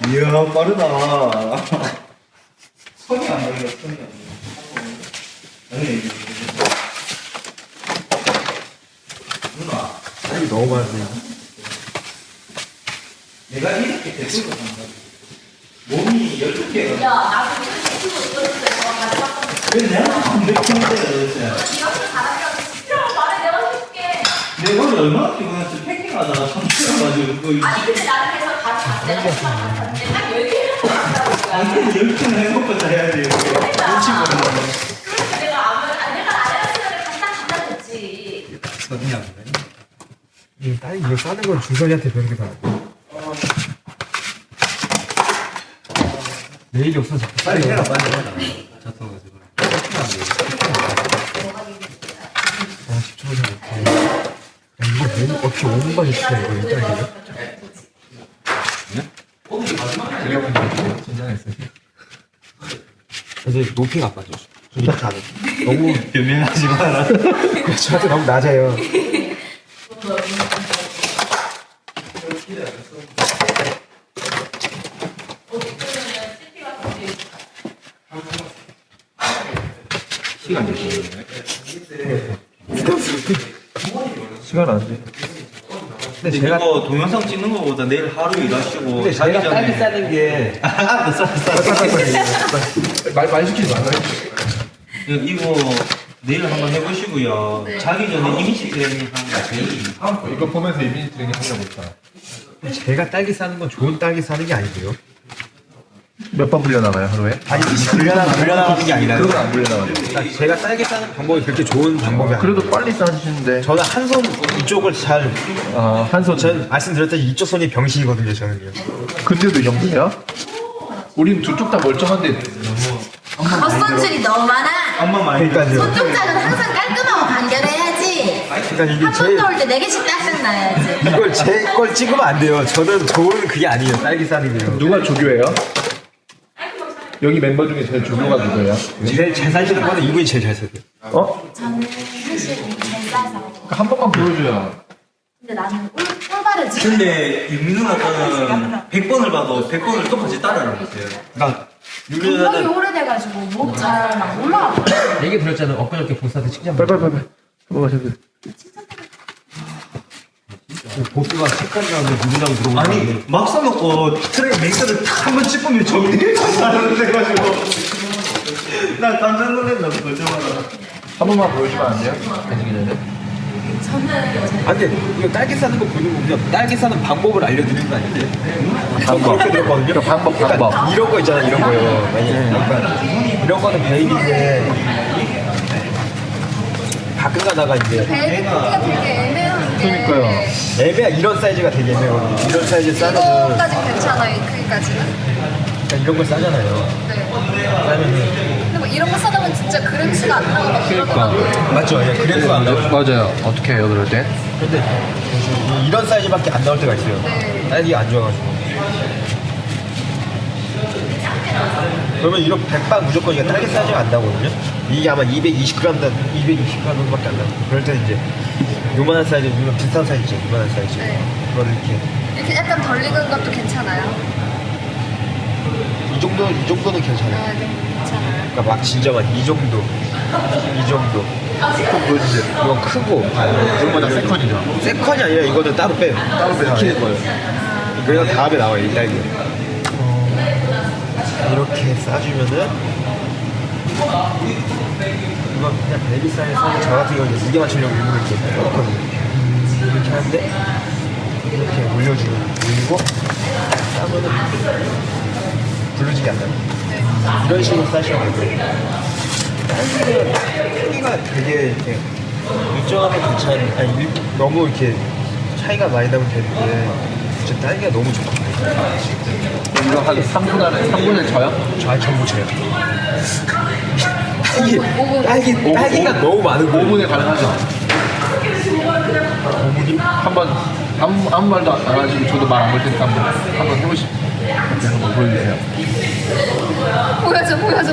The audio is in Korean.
이야, 빠르다. 손이 안 걸려, 손이 안 걸려. 아니, 누나. 딸기 너무 많으네요. 내가 이렇게 대충 한다. 몸이 12개가. 야, 나도 유튜브 들었을 때 가져왔던 왜 내가 안 맥히는데, 도대체. 이렇게 잘하면 싫어 말해 내가 해줄게. 내가 오늘 얼마나 피곤했어. 패킹하다가 참 싫어가지고. 아니 근데 나는 그래서 가져왔어. 내가 생각했는데 딱 10개를 가져왔다는 거야. 아니, 10개는 해먹고 해야지. 눈치 보는 그래서 내가 내가 안 했으면 갖다 줬지. 손이 안 걸려. 딸기 이거 싸는 건 준선이한테 배운 게 다. 내일이 없어서 자꾸 빨리 싸요. 해라, 빨리 해라. 잡숴가지고. 아, 10초 전에. 야, 이거 메뉴 어떻게 5분 만에 시켜, 이거, 이 딸기를? 오늘이 마지막이야. 긴장했어요. 이제 높이가 안 맞아. 이렇게 안 해. 너무, 변명하지 마라. 저한테 너무 낮아요. 시간 몇 시간이네? 시간 안 돼. 근데 제가 이거 동영상 찍는 거보다 내일 하루 일하시고 근데 자기 제가 딸기 전에 싸는 게. 말 시키지 말라. 이거 내일 한번 해보시고요. 자기 전에 이미지 트레이닝 하는 거 제일 이거 보면서 이미지 트레이닝 하려고 했다. 제가 딸기 싸는 건 좋은 딸기 싸는 게 아니고요. 몇 번 불려나가요, 하루에? 아니, 불려나가는 게 아니라. 그건 안 불려나가요. 제가 딸기 싸는 방법이 그렇게 좋은 방법이 아니에요. 그래도 빨리 싸주시는데. 저는 한 손 이쪽을 잘, 한 손. 전 말씀드렸다시피 이쪽 손이 병신이거든요, 저는요. 근데도 이 정도야? 우린 두 쪽 다 멀쩡한데. 겉손질이 너무 많아. 엄마 많이 그러니까요. 손동작은 항상 깔끔하고 간결해야지. 그러니까 이게 한 번 넣을 때 4개씩 딱딱 놔야지. 이걸 제 걸 찍으면 안 돼요. 저는 좋은 그게 아니에요. 딸기 싸는 게요. 누가 조교예요? 여기 멤버 중에 제일 조교가 누구예요? 제일 잘 사시는 거는 이분이 제일 잘 사세요. 어? 저는 사실 잘 싸서. 한 번만 보여줘요. 근데 나는 꿀바르지. 근데 윤민우 아빠는 100번을 봐도 100번을 똑같이 따라하는 거예요. 그러니까 운동이 유리는 오래돼가지고 목 잘 막 올라와. 얘기 들었잖아요. 엊그저께 보스한테 칭찬 빨리. 한번 마셔. 보스가 색깔 나는데 누구랑 들어오는 아니 막상 먹고 트레이 맹스를 탁 한번 찝으면 정리가 안 돼가지고 나 깜짝 놀랐나 보자마자. 한 번만 보여주면 안 돼요? 가지기 전에. 저는 아 근데 이거 딸기 싸는 거 보는 거군요. 딸기 싸는 방법을 알려드리는 거 아닌데? 방법. 그렇게 들었거든요. 방법. 그러니까 이런 거 있잖아, 이런 거요. 그러니까 이런 거는 베이비인데 가끔 가다가 이제 베이비 크기가 되게 애매한 게. 그러니까요. 애매야 이런 사이즈가 되게 애매하거든요. 이런 사이즈 싸면은 이거까지 괜찮아, 이 크기까지는. 그러니까 이런 걸 싸잖아요. 네. 싸면은 근데 뭐 이런 거 싸다 보면 진짜 그램수가 안 나오고 그러니까. 맞죠? 예, 그래도 안 나오죠. 맞아요. 어떻게 해요, 그럴 때? 근데 이런 사이즈밖에 안 나올 때가 있어요. 네. 딸기가 안 좋아가지고. 그러면 이런 100방 무조건 이게 딸기 사이즈가 안 나오거든요. 이게 아마 220g 정도밖에 안 나요. 그럴 때는 이제 요만한 사이즈, 이런 비슷한 사이즈죠. 요만한 사이즈. 네. 그거를 이렇게 이렇게 약간 덜 익은 것도 괜찮아요. 이 정도는 괜찮아요. 아, 네, 괜찮아요. 그러니까 막 진짜만 이 정도. 이건 크고. 이거보다 세컨이죠. 세컨이 아니라 이거는 따로 빼요. 따로 빼요. 익히는 거예요. 그래서 다음에 나와요, 이 딸기. 이렇게 싸주면은 이건 그냥 베이비 사이즈에서 저 같은 경우는 무게 맞추려고 일부러 이렇게 넣거든요. 이렇게 하는데 이렇게 올리고 싸면은 부르지게 안 나요. 이런 식으로 싸시면 되고요. 딸기가 크기가 되게 이렇게 일정하면 너무 이렇게 차이가 많이 나면 되는데 진짜 딸기가 너무 좋거든요. 이거 한 3분 안에, 3분에 저요? 저 전부 쳐요. 딸기가 너무 많은 거예요. 5분에 가능하죠? 5분이? 아무 말도 안 하시고 저도 말 안 걸 테니까 한번 해보시죠. 한번 보여주세요. 보여줘.